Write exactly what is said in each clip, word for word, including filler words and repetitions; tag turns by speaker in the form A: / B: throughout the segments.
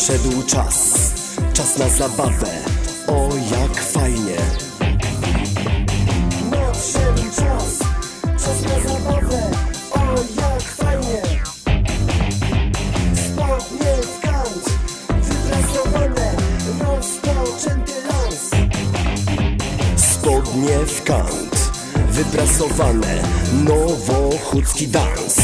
A: Nadszedł czas, czas na zabawę, o jak fajnie. Nadszedł czas, czas na zabawę, o jak fajnie. Spodnie w kant, wyprasowane, rozpoczęty lans. Spodnie w kant, wyprasowane, nowochódzki dans.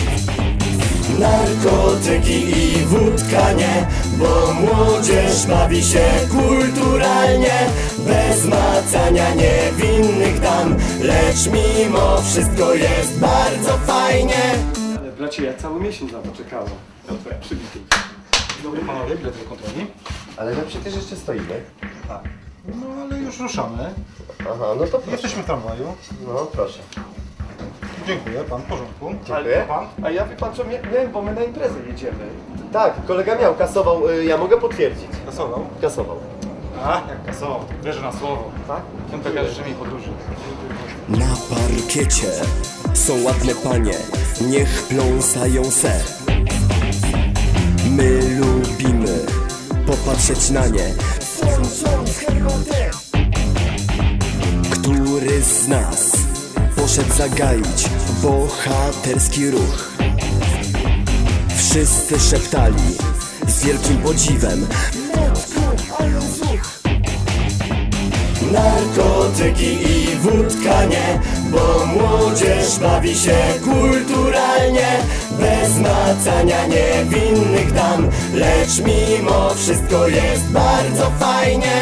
A: Narkotyki i wódka nie, bo młodzież bawi się kulturalnie. Bez macania niewinnych dam, lecz mimo wszystko jest bardzo fajnie.
B: Ale bracie, ja cały miesiąc na to czekałem. Na twoje przybitki.
C: Dobry panowie, bilet do kontroli.
A: Ale my przecież jeszcze stoimy.
C: Tak. No ale już ruszamy.
A: Aha, no to proszę.
C: Jesteśmy w tramwaju.
A: No proszę.
C: Dziękuję, pan w porządku.
A: Dziękuję.
C: Pan?
B: A ja wie pan co, nie, nie, bo my na imprezę jedziemy.
A: Tak, kolega miał, kasował, y, ja mogę potwierdzić.
C: Kasował?
A: Kasował.
C: A, jak kasował. Wierzę na słowo.
A: Tak?
C: Piątek życzy mi podróży.
A: Na parkiecie są ładne panie, niech pląsają se. My lubimy popatrzeć na nie. Który z nas poszedł zagaić bohaterski ruch? Wszyscy szeptali z wielkim podziwem: narkotyki i wódka nie, bo młodzież bawi się kulturalnie. Bez macania niewinnych dam, lecz mimo wszystko jest bardzo fajnie.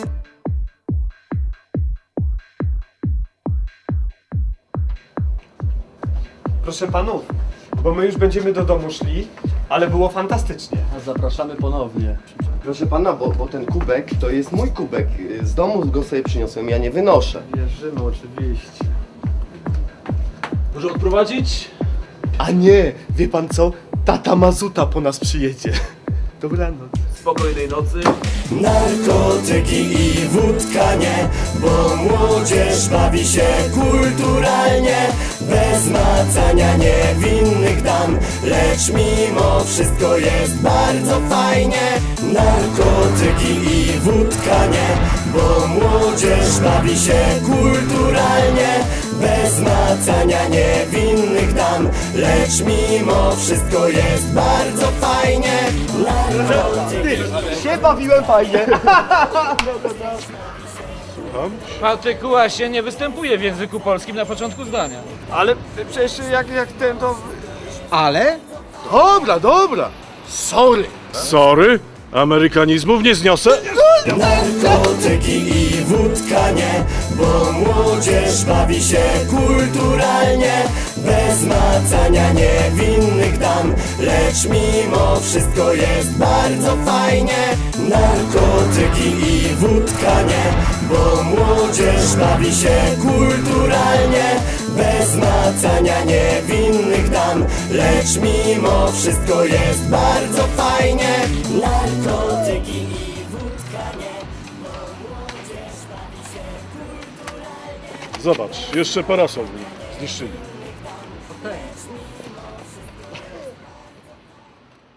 B: Proszę panów, bo my już będziemy do domu szli, ale było fantastycznie.
D: Zapraszamy ponownie.
A: Proszę pana, bo, bo ten kubek to jest mój kubek. Z domu go sobie przyniosłem, ja nie wynoszę.
D: Wierzymy oczywiście. Może odprowadzić?
A: A nie, wie pan co? Tata Mazuta po nas przyjedzie. Dobranoc.
D: Spokojnej nocy.
A: Narkotyki i wódka nie, bo młodzież bawi się kulturalnie. Bez macania niewinnych dam, lecz mimo wszystko jest bardzo fajnie. Narkotyki i wódka nie, bo młodzież bawi się kulturalnie. Bez macania niewinnych dam, lecz mimo wszystko jest bardzo fajnie. Narkotyki.
B: Się bawiłem fajnie.
E: Partykuła się nie występuje w języku polskim na początku zdania.
B: Ale przecież jak, jak ten to...
E: Ale?
F: Dobra, dobra. Sorry. Sorry? Amerykanizmów nie zniosę?
A: Narkotyki i wódka nie, bo młodzież bawi się kulturalnie. Bez macania niewinnych dam, lecz mimo wszystko jest bardzo fajnie. Narkotyki i wódka nie, bo młodzież bawi się kulturalnie. Bez macania niewinnych dam, lecz mimo wszystko jest bardzo fajnie. Narkotyki i wódka nie, bo młodzież bawi się kulturalnie.
F: Zobacz, jeszcze parasol zniszczyli.